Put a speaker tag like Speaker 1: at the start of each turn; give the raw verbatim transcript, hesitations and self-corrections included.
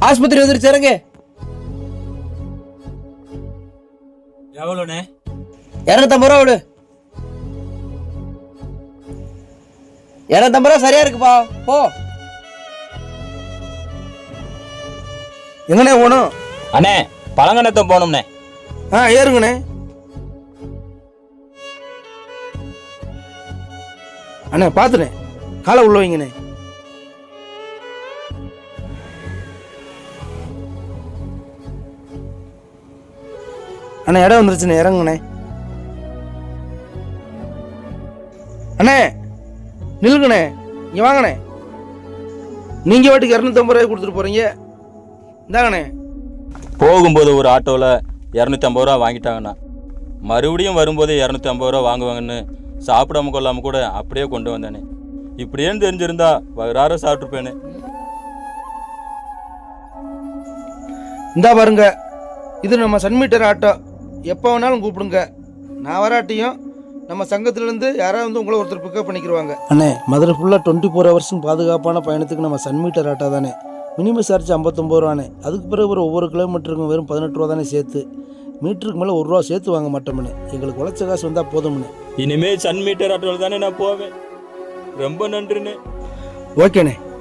Speaker 1: ஆஸ்பத்திரி வந்துருச்சு இறங்கு.
Speaker 2: எவ்வளோண்ணே?
Speaker 1: இரநூத்தம்பது ரூபா விடு. இரநூத்தம்பது ரூபா சரியா இருக்குப்பா, போ. எங்கண்ணே போகணும்?
Speaker 2: அண்ணே பழங்கணத்தை போகணும்ண்ணே.
Speaker 1: ஆ ஏறுங்கண்ணே. அண்ணே பார்த்துண்ணே, காலை உள்ள வைங்கண்ணே. அண்ணே இடம் வந்துருச்சுண்ணே, இறங்குண்ணே. அண்ணே நில்லுங்கண்ணே, இங்கே வாங்கண்ணே. நீங்கள் வாட்டுக்கு இரநூத்தம்பது ரூபாய் கொடுத்துட்டு போகிறீங்க, இந்தாங்கண்ணே.
Speaker 2: போகும்போது ஒரு ஆட்டோவில் இரநூத்தி ஐம்பது ரூபா வாங்கிட்டாங்கண்ணா, மறுபடியும் வரும்போது இரநூத்தி ஐம்பது ரூபா வாங்குவாங்கன்னு சாப்பிடாம கொள்ளாமல் கூட அப்படியே கொண்டு வந்தேனே. இப்படியேன்னு தெரிஞ்சிருந்தா வராற சாப்பிட்ருப்பேனே.
Speaker 1: இந்தா பாருங்க, இது நம்ம சன்மீட்டர் ஆட்டோ. எப்போ வேணாலும் கூப்பிடுங்க. நான் வராட்டியும் நம்ம சங்கத்திலேருந்து யாராவது வந்து உங்களை ஒருத்தர் பிக்கப் பண்ணிக்கிடுவாங்க. அண்ணே மதுரை ஃபுல்லாக டுவெண்ட்டி ஃபோர் ஹவர்ஸும் பாதுகாப்பான பயணத்துக்கு நம்ம சன்மீட்டர் ஆட்டோ தானே. மினிமம் சார்ஜ் ஐம்பத்தொம்பது ரூபானே. அதுக்கு பிறகு ஒரு ஒவ்வொரு கிலோமீட்டருக்கும் வெறும் பதினெட்டு ரூபா தானே சேர்த்து. மீட்டருக்கு மேலே ஒரு ரூபா சேர்த்து வாங்க மாட்டோம்னே. எங்களுக்கு உழைச்ச காசு வந்தால் போதும்னே.
Speaker 2: இனிமேல் சன் மீட்டர் ஆட்டோவில் தானே நான் போவேன். ரொம்ப நன்றிண்ணே.
Speaker 1: ஓகேண்ணே.